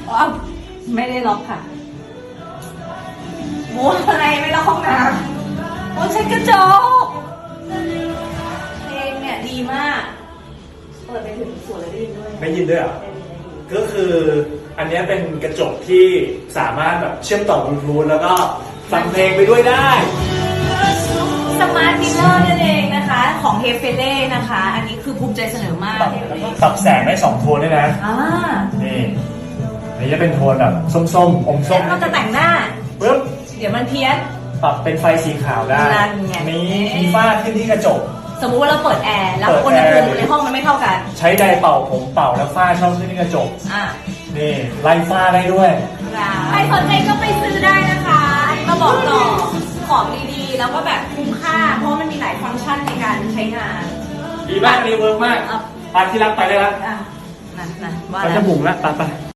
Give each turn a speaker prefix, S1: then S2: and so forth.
S1: อ๋อไม่ได้ล็อกค่ะโม้อะไรไม่ล็อกห้องน้ำโอ้ใช้กระจกเพลงเนี่ยดีมากเปิดไปถึงสวนเลยได้ยินด้วย
S2: ไม่ยินด้วยเหรอก็คืออันนี้เป็นกระจกที่สามารถแบบเชื่อมต่อบลูทูธแล้วก็ฟังเพลงไปด้วยได้
S1: สมาร์ทมิเรอร์นั่นเองนะคะของเฮเฟเล่นะคะ อันนี้คือภูมิใจเสนอมาก
S2: ปรับแสงได้2โทนด้วยนะ
S1: อ่า
S2: นี่อันนี้จะเป็นโทนแบบส้มๆอมส้ม
S1: เราจะแต่งหน้า
S2: ปึ๊บ
S1: เดี๋ยวมันเพี้ยน
S2: ปรับเป็นไฟสีขาวได้
S1: นั่นไง
S2: มีฝ้าขึ้นที่กระจก
S1: สมมุติว่าเราเปิดแอร์แล้วอุณหภูมิในห้องมันไม่เท่ากัน
S2: ใช้ไดร์เป่าผมเป่าแล้วฝ้าช่องขึ้นที่กระจก
S1: อ่า
S2: นี่ไล่ฝ้าได้ด้วย
S1: ใครสนใจก็ไปซื้อได้นะคะอันนี้มาบอกต่อของดีๆ แล้วก็แบบคุ้มค่า เพราะมันมีหลายฟังก์ชันในการใช้งาน
S2: ดีมากอันนี้เวิร์กมาก
S1: อ่ะ
S2: พาที่รักไปได้แล้ว
S1: อ่ะนั่นว่า
S2: เขา
S1: แล้
S2: จะ
S1: ว
S2: บุ๋งแล้วไป